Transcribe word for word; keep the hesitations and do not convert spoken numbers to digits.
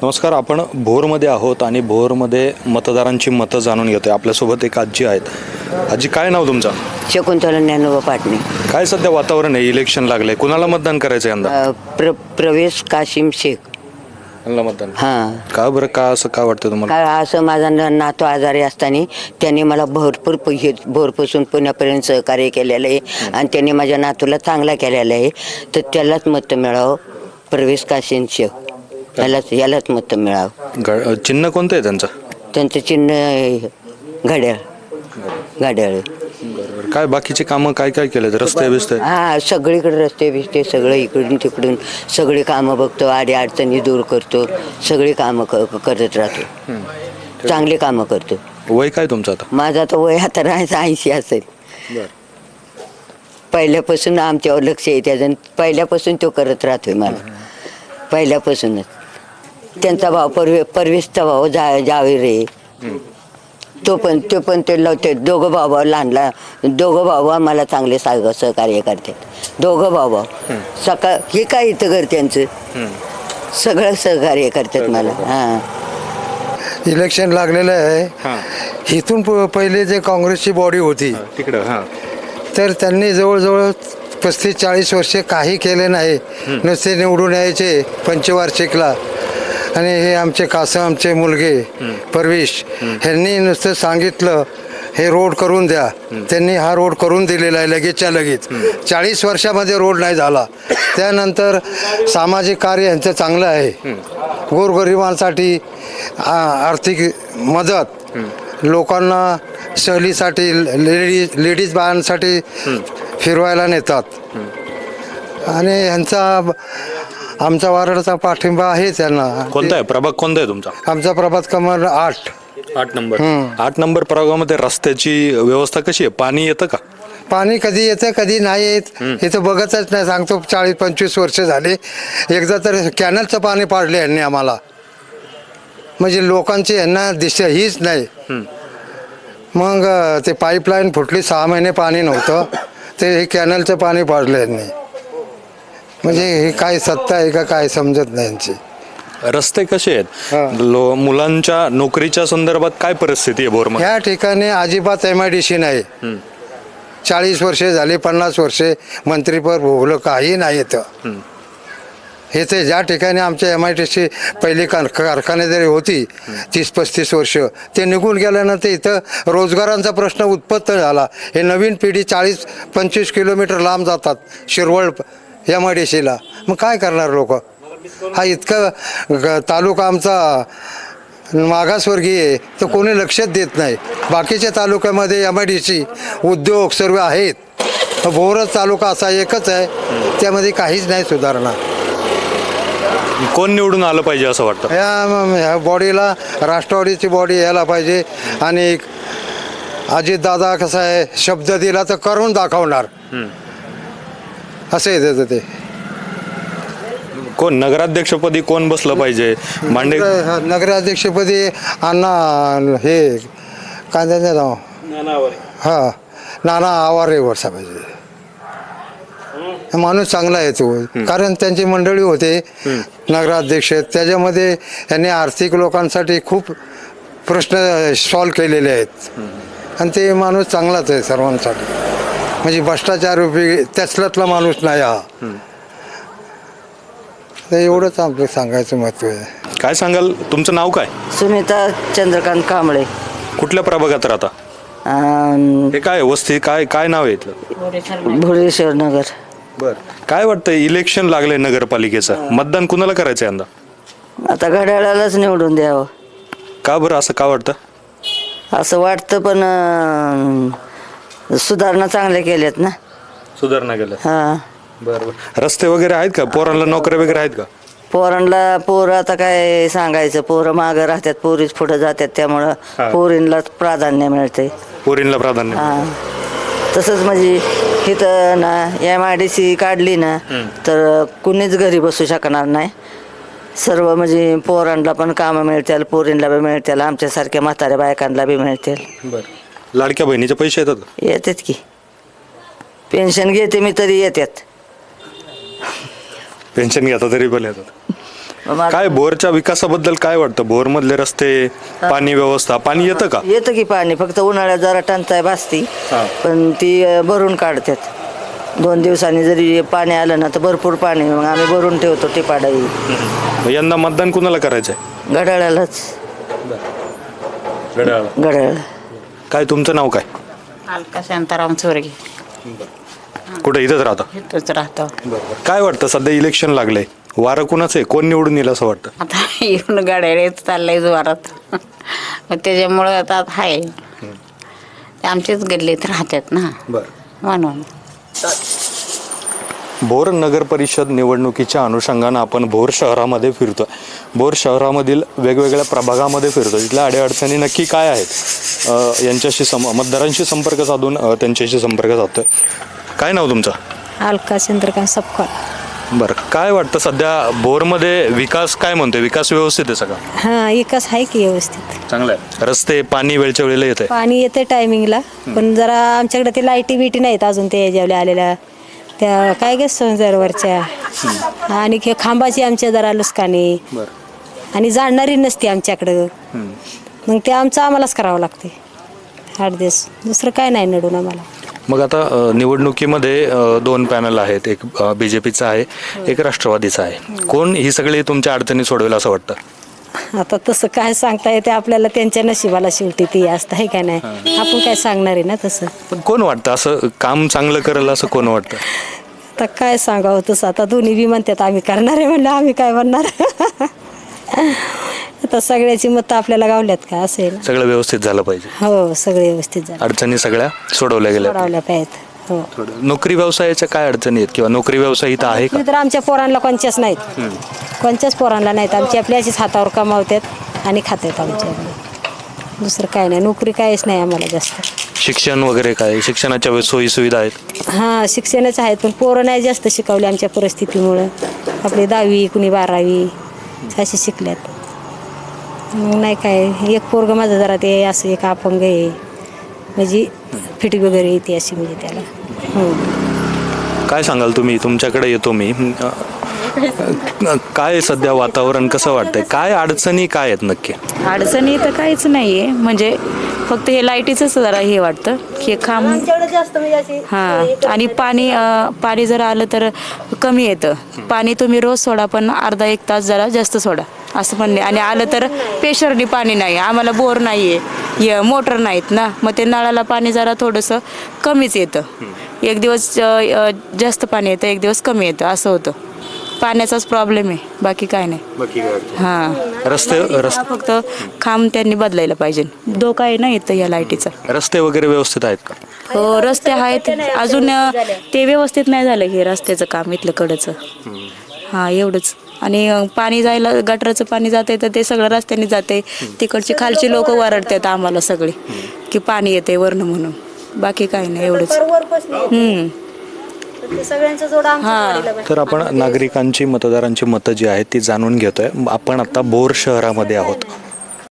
नमस्कार, आपण भोरमध्ये आहोत आणि भोरमध्ये मतदारांची मतं जाणून घेतोय. आपल्यासोबत एक आजी आहेत. आजी, काय नाव तुमचं? शकुंतला ज्ञानोबा पाटणे. काय सध्या वातावरण आहे, इलेक्शन लागलंय, कुणाला मतदान करायचं यंदा? अ, प्र प्रवेश काशिम शेख. कुणाला मतदान? हां, का बरं, का असं का वाटतं तुम्हाला? का असं माझा न- नातू आजारी असताना त्यांनी मला भरपूर पैसे भोरपासून पुण्यापर्यंत सहकार्य केलेलं आहे आणि त्यांनी माझ्या नातूला चांगला केलेला आहे. तर त्यालाच मत मिळावं, प्रवेश काशिम शेख यालाच यालाच मत मिळावं. ग- चिन्ह कोणतं आहे त्यांचं? त्यांचं चिन्ह आहे घड्याळ. घड्याळ. बरोबर. काय बाकीचे कामं काय काय केले? रस्ते बिस्ते? हा, सगळीकडे रस्ते बिस्ते सगळं इकडून तिकडून सगळी कामं बघतो, आडी अडचणी दूर करतो, सगळी कामं क- करत राहतो, चांगली कामं करतो. वय काय तुमचं आता? माझा तर वय आता राहायचं ऐंशी असेल. पहिल्यापासून आमच्यावर लक्ष आहे त्याचं, पहिल्यापासून तो करत राहतोय मला, पहिल्यापासूनच. त्यांचा भाव परवे परवेशचा भाव जा जावेर आहे, तो पण तो पण ते लावते. दोघं भाऊ भाऊ लहान लहान दोघं भाऊ भाऊ मला चांगले साग सहकार्य करतात. दोघं भाऊ भाऊ सकाळ हे काय इथं घर त्यांचं सगळं सहकार्य करतात मला. हां, इलेक्शन लागलेलं आहे. इथून प- पहिले जे काँग्रेसची बॉडी होती तिकडं. हां, तर त्यांनी जवळजवळ पस्तीस चाळीस वर्षे काही केले नाही, नुसते निवडून यायचे पंचवार्षिकला. आणि हे आमचे कासमचे मुलगे परवेश ह्यांनी नुसतं सांगितलं हे रोड करून द्या, त्यांनी हा रोड करून दिलेला आहे लगेचच्या लगेच. चाळीस वर्षामध्ये रोड नाही झाला. त्यानंतर सामाजिक कार्य यांचं चांगलं आहे. गोरगरिबांसाठी आ- आर्थिक मदत, लोकांना सहलीसाठी लेडीज लेडीज बायांसाठी फिरवायला नेतात. आणि यांचा आमचा वारडचा पाठिंबा आहे त्यांना. कोणता आहे प्रभाग? कोणता आहे तुमचा? आमचा प्रभात क्रमांक आठ. आठ नंबर. आठ नंबर प्रभागामध्ये रस्त्याची व्यवस्था कशी आहे? पाणी येतं का? पाणी कधी येतं कधी नाही येत, इथं बघतच नाही. सांगतो चाळीस पंचवीस वर्ष झाले. एकदा तर कॅनलचं पाणी पाडले यांनी आम्हाला, म्हणजे लोकांची यांना दिशा हीच नाही. मग ते पाईपलाईन फुटली, सहा महिने पाणी नव्हतं, ते हे कॅनलचं पाणी पाडलं यांनी. म्हणजे हे काय सत्ता आहे का काय समजत नाही यांची. रस्ते कसे आहेत? लो मुलांच्या नोकरीच्या संदर्भात काय परिस्थिती आहे भोरमध्ये? ह्या ठिकाणी अजिबात एम आय डी सी नाही. चाळीस वर्षे झाली, पन्नास वर्षे मंत्रीपद भोगलं, काही नाही येतं. हे ते ज्या ठिकाणी आमच्या एम आय टी सी पहिली कार कारखाने जरी होती तीस पस्तीस वर्ष, ते निघून गेल्यानंतर इथं रोजगारांचा प्रश्न उत्पन्न झाला. हे नवीन पिढी चाळीस पंचवीस किलोमीटर लांब जातात शिरवळ एम आय डी सीला. मग काय करणार लोक? हा इतका ग- तालुका आमचा मागासवर्गीय आहे, तर कोणी लक्षच देत नाही. बाकीच्या तालुक्यामध्ये एम आय डी सी उद्योग सर्व आहेत. भोरच तालुका असा एकच आहे, त्यामध्ये काहीच नाही सुधारणा. कोण निवडून आलं पाहिजे असं वाटतं? ह्या ह्या बॉडीला राष्ट्रवादीची बॉडी यायला पाहिजे. आणि अजितदादा कसं आहे, शब्द दिला तर करून दाखवणार, असं आहे त्याचं. ते कोण नगराध्यक्षपदी कोण बसलं पाहिजे? मांडे नगराध्यक्षपदी अण्णा हे काय त्याचं नाव, हां नाना आवारे वर्षा पाहिजे. माणूस चांगला आहे तो, कारण त्यांची मंडळी होते नगराध्यक्ष, त्याच्यामध्ये यांनी आर्थिक लोकांसाठी खूप प्रश्न सॉल्व केलेले आहेत. आणि ते माणूस चांगलाच आहे सर्वांसाठी, म्हणजे भ्रष्टाचार उपयोगी त्याचल्यातला माणूस नाही हा. तर एवढंच आपलं सांगायचं महत्त्व आहे. काय सांगाल? तुमचं नाव काय? सुनीता चंद्रकांत कांबळे. कुठल्या प्रभागात राहता? अं, हे काय वस्ती, काय काय नाव आहे इथलं? भुलेश्वर नगर. बर, काय वाटतं? इलेक्शन लागलंय नगरपालिकेचं, मतदान कुणाला करायचं यंदा? आता घड्याळालाच निवडून द्यावं का बरं असं का वाटतं? असं वाटतं. पण अं, सुधारणा चांगल्या केल्यात ना. सुधारणा केलं. हां, बरं बरं. रस्ते वगैरे आहेत का? पोरांना नोकऱ्या वगैरे आहेत का? पोरांना पोरं आता काय सांगायचं, पोरं मागं राहतात, पोरीच पुढं जातात, त्यामुळं पोरींलाच प्राधान्य मिळते. पोरींना प्राधान्य. हां, तसंच म्हणजे इथं ना एम आय डी सी काढली ना तर कुणीच घरी बसू शकणार नाही. सर्व म्हणजे पोरांना पण कामं मिळतील, पोरींना बी मिळतील, आमच्यासारख्या म्हाताऱ्या बायकांना बी मिळतील. बरं, लाडक्या बहिणीचे पैसे येतात का? येतात की, पेन्शन घेते मी तरी येतात. पेन्शन घेता तरी पण येतात. मग काय भोरच्या विकासाबद्दल काय वाटतं? भोर मधले रस्ते, पाणी व्यवस्था, पाणी येतं का? येतं की पाणी, फक्त उन्हाळ्यात जरा टंचाई भासती, पण ती अं, भरून काढतात. दोन दिवसांनी जरी पाणी आलं ना तर भरपूर पाणी, मग आम्ही भरून ठेवतो टिपाडाई. मग यंदा मतदान कुणाला करायचंय? घड्याळालाच. घड्याळ. काय तुमचं नाव काय? अलका शांताराम चोरगे. कुठे इथंच राहता? इथंच राहतो. काय वाटतं सध्या इलेक्शन लागलंय, वारं कुणाचं आहे, कोण निवडून येईल असं वाटतं? आता येऊन गाड्या चाललंय जोरात, मग त्याच्यामुळं आता आहे ते आमचेच गल्लीत राहतात ना, म्हणून. भोर नगर परिषद निवडणुकीच्या अनुषंगानं आपण भोर शहरामध्ये फिरतोय. भोर शहरामधील वेगवेगळ्या प्रभागामध्ये फिरतो. तिथल्या अडीअडचणी नक्की काय आहेत अ, यांच्याशी सम मतदारांशी संपर्क साधून अ, त्यांच्याशी संपर्क साधतोय. काय नाव तुमचं? अलका चंद्रकांत सपकाळ. बरं, काय वाटतं सध्या भोरमध्ये विकास काय म्हणतोय? विकास व्यवस्थित आहे सगळा? हां, विकास आहे की व्यवस्थित. चांगलं आहे. रस्ते, पाणी वेळच्या वेळेला येते? पाणी येते टायमिंगला, पण जरा आमच्याकडे ते लाईटी बिटी नाहीत अजून, ते जेवल्या आलेल्या त्या काय गे संजरवरच्या, आणि हे खांबाची आमच्या जरा लुस्कानी, आणि जाणणारी नसते आमच्याकडं, मग ते आमचं आम्हालाच करावं लागते आठ दिवस, दुसरं काय नाही नडून आम्हाला. मग आता अ, निवडणुकीमध्ये अ, दोन पॅनल आहेत, एक बी जे पीचा आहे, एक राष्ट्रवादीचा आहे. कोण ही सगळी तुमच्या अडचणी सोडवेल असं वाटतं? आता तसं काय सांगता येते आपल्याला, त्यांच्या नशिबाला शेवटी ती असतं आहे का नाही, आपण काय सांगणार आहे ना तसं. पण कोण वाटतं असं काम चांगलं करेल असं कोण वाटतं? आता काय सांगावं तसं, आता दोन्ही बी म्हणतात आम्ही करणार आहे, म्हणलं आम्ही काय म्हणणार. आता सगळ्याची मतं आपल्याला गावल्यात का असेल. सगळं व्यवस्थित झालं पाहिजे. हो, सगळे व्यवस्थित झालं, अडचणी सगळ्या सोडवल्या गेल्या. सोडवल्या पाहिजेत. हो, नोकरी व्यवसायाच्या काय अडचणी आहेत किंवा नोकरी व्यवसाय इथं आहे का? तर आमच्या पोरांना कोणच्याच नाहीत, कोणच्याच पोरांना नाहीत. आमची आपल्या अशीच हातावर कमावतात आणि खातात आमच्या, दुसरं काय नाही. नोकरी काहीच नाही आम्हाला जास्त. शिक्षण वगैरे काय, शिक्षणाच्या सोयी सुविधा आहेत? हां, शिक्षणच आहेत, पण पोरं नाही जास्त शिकवले आमच्या परिस्थितीमुळं. आपली दहावी कुणी बारावी अशी शिकल्यात, मग नाही काय. एक पोरग माझं जरा ते असं एक अपंग आहे, म्हणजे फिटिंग वगैरे येते अशी, म्हणजे त्याला. हो, काय सांगाल तुम्ही? तुमच्याकडे येतो मी. अ, काय सध्या वातावरण कसं वाटतंय? काय अडचणी काय आहेत नक्की? अडचणी तर काहीच नाही आहे, म्हणजे फक्त हे लाईटीचंच जरा हे वाटतं की खांब. हां, आणि पाणी अं, पाणी जर आलं तर कमी येतं पाणी. तुम्ही रोज सोडा, पण अर्धा एक तास जरा जास्त सोडा असं म्हणणे. आणि आलं तर पेशरनी पाणी नाही, आम्हाला बोर नाही आहे, मोटर नाहीत ना, मग ते नळाला पाणी जरा थोडंसं कमीच येतं. एक दिवस अं, जास्त पाणी येतं, एक दिवस कमी येतं, असं होतं. पाण्याचाच प्रॉब्लेम आहे, बाकी काय नाही. हां, रस्ते रस्ते फक्त खांब त्यांनी बदलायला पाहिजे. धोका आहे ना येतं या लाईटीचा. रस्ते वगैरे व्यवस्थित आहेत का? हो, रस्ते आहेत अजून, ते व्यवस्थित नाही झालं हे रस्त्याचं काम इथलं कडचं. हां, एवढंच. आणि पाणी जायला, गटराचं पाणी जाते तर ते सगळं रस्त्याने जाते. तिकडची खालची लोक वरडतात आम्हाला सगळे की पाणी येते वरनं म्हणून, बाकी काय नाही, एवढंच. हम्म. तर आपण नागरिकांची, मतदारांची मतं जी आहेत ती जाणून घेतोय. आपण आता भोर शहरामध्ये आहोत.